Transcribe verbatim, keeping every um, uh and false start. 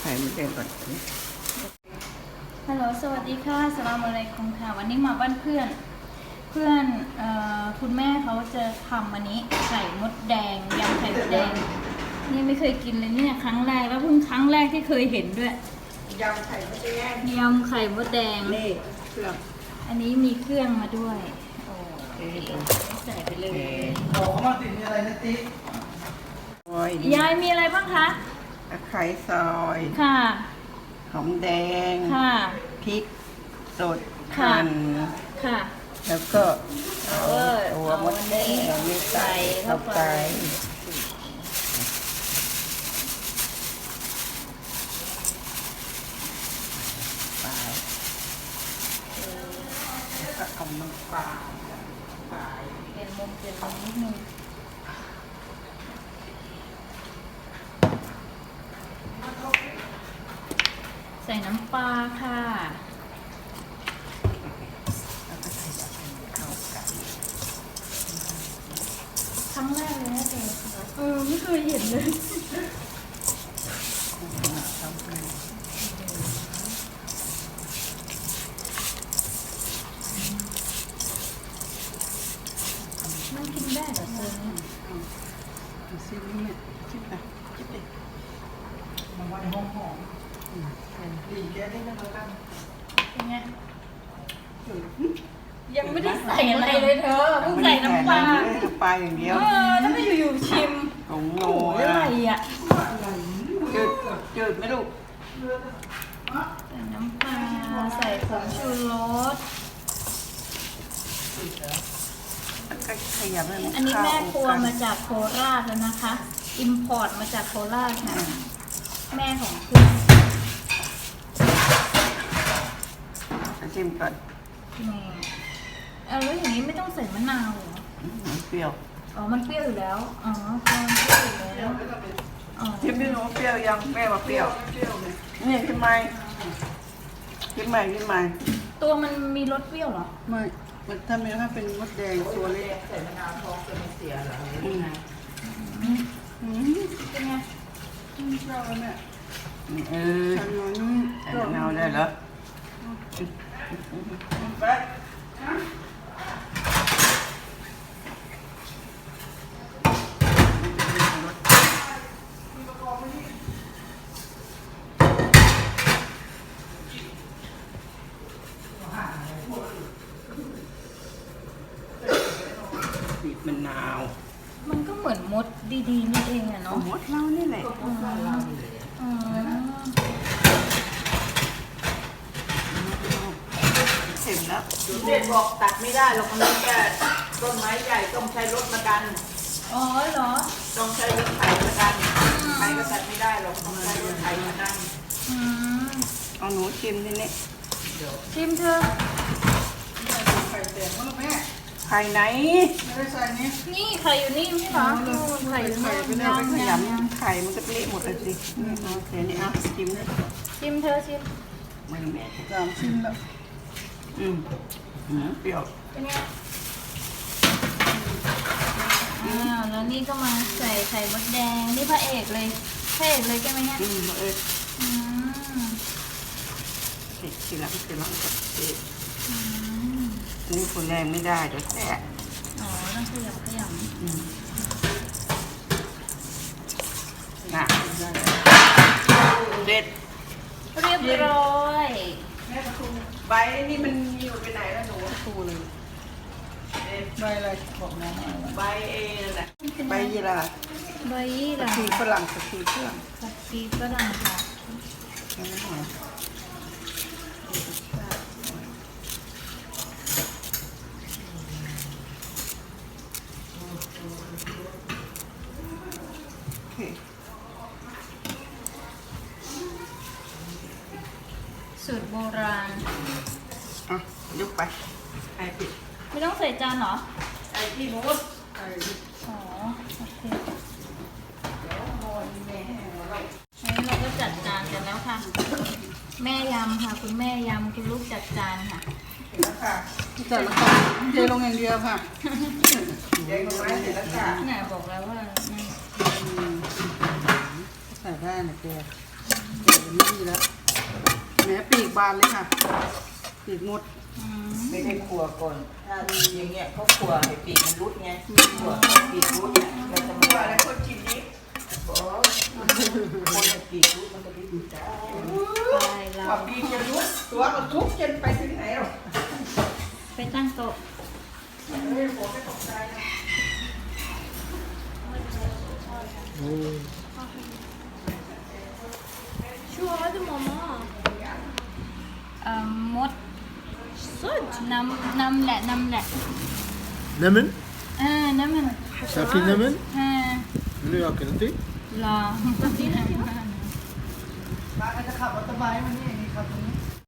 ข่มดแดงก่อนฮัลโหลสวัสดีค่ะสลามอะลัยกุมค่ะวันนี้มาบ้านเพื่อน เพื่อนเอ่อคุณแม่เขาจะทำอันนี้ไข่มดแดงยำไข่มดแดงนี่ไม่เคยกินเลยเนี่ยครั้งแรกแล้วเพิ่งครั้งแรกที่เคยเห็นด้วยยำไข่มดแดงยำไข่มดแดงนี่เครื่องอันนี้มีเครื่องมาด้วยโอ้ใส่ไปเลยบอกเขามาติดมีอะไรนะติ๊กยายมีอะไรบ้างคะตะไคร้ซอยค่ะหอมแดงค่ะพริกสดหั่นค่ะแล้วก็ตัวมดแดงนี่ใส่เข้าไปไปแล้วก็เอาน้ำปลาไปเปลี่ยนมุมเปลี่ยนมุมนิดนึงใส่น้ำปลาค่ะครั้งแรกเลยนะเจ๊เออไม่เคยเห็นเลยมันกินได้เหรอเจ๊ดูซินี่เนี่ยชิบไปชิบไปมันว่าในห้องหอมดีแกได้แล้วกันเป็นไงยังไม่ได้ใส่อะไรเลยเธอเพิ่งใส่น้ำปลาน้ำปลาอย่างเดียวเออแล้วก็อยู่ๆชิมโอ้โหอะไรอ่ะจืดจืดไหมลูกใส่น้ำปลาใส่ผงชูรสขยับเลยอันนี้แม่ครัวมาจากโคราชแล้วนะคะอิมพอร์ตมาจากโคราชค่ะแม่ของคุณชิมก่อนนี่เอาแล้วอย่างนี้ไม่ต้องใส่มะนาวเหรอเปรี้ยวอ๋อมันเปรี้ยวอยู่แล้วอ๋อมันเปรี้ยวอยู่แล้วชิมไม่รู้เปรี้ยวยังแม่มาเปรี้ยวนี่ชิมไหมชิมไหมชิมไหมตัวมันมีรสเปรี้ยวเหรอไม่มันถ้าไม่ถ้าเป็นมดแดงตัวเล็กใส่มะนาวท้องจะไม่เสียหรออืมอืมเป็นไงอืมชอบแล้วแม่เออใส่มะนาวได้เหรอไปบีบมะนาวมันก็เหมือนมดดีๆนี่เองอะเนาะมดเรานี่แหละอ๋อเสร็จแล้วเด็กบอกตัดไม่ได้เราคนนี้แค่ต้นไม้ใหญ่ต้องใช้รถมาดันอ๋อเหรอต้องใช้รถไถมาดันใครก็ตัดไม่ได้หรอกต้องใช้รถไถมาดันเอาหนูชิมทีนี้ชิมเธอไข่แตกมั้งแม่ไข่ไหนไม่ได้ใส่นี่นี่ไข่อยู่นี่ไม่ใช่เหรอไข่อยู่นี่ไม่ได้ไปขยำไข่มันก็เละหมดเลยสินี่โอเคนี่อ่ะชิมชิมเธอชิมไม่แม่สามชิมแล้วอืมอืมเปรี้ยวเป็นไงอ้าวแล้วนี่ก็มาใส่ไข่มดแดงนี่พระเอกเลยพระเอกเลยใช่ไหมเนี่ยอืมพระเอกอืมเด็กทีหลังทีหลังกับเด็กนี่คนแรงไม่ได้เดี๋ยวแตกอ๋อต้องขยับขยับน่ะเด็ดเรียบร้อยแม่ประตูใบนี่มันอยู่ไปไหนแล้วหนูประตูเลยใบอะไรบอกน้องใบเอนั่นแหละใบยี่ราใบยี่ราผักชีฝรั่งผักชีฝรั่งผักชีฝรั่งค่ะสูตรโบราณอ่ะยกไปไอ้ปิดไม่ต้องใส่จานเหรอไอ้ที่นู้นอ๋อโอเคอันนี้เราก็จัดจานกันแล้วค่ะแม่ยำค่ะคุณแม่ยำคุณลูกจัดจานค่ะค่ะเสร็จแล้วค่ะเทลงอย่างเดียวค่ะเทลงไม้เสร็จแล้วค่ะไหนบอกแล้วว่าใส่ได้นะเจ๊ไม่มีแล้วแหมปีกบานเลยค่ะปีกหมดอืมไม่ได้ขัวก่อนถ้าอย่างเงี้ยเขาขัวให้ปีกมันรุดไงขัวให้ปีกรุดเนี่ยเราจะว่ามาอะไรคนกินนี้บอกคนให้ปีกรุดมันก็ได้ดูจ้าไปเราว่าปีกจะรุดตัวก็ทุกจนไปถึงไหนหรอกไปตั้งโต๊ะเฮ้ยผมไม่ตกใจนะ Şu hadi mama. เอ่อมดน้ำน้ำแหละน้ำแหละ Nämen? อ่าน้ำมัน Safin nämen? อ่า Vill du öka lite? รอมาจะขับมอเตอร์ไซค์มานี่นี่ขับตรงนี้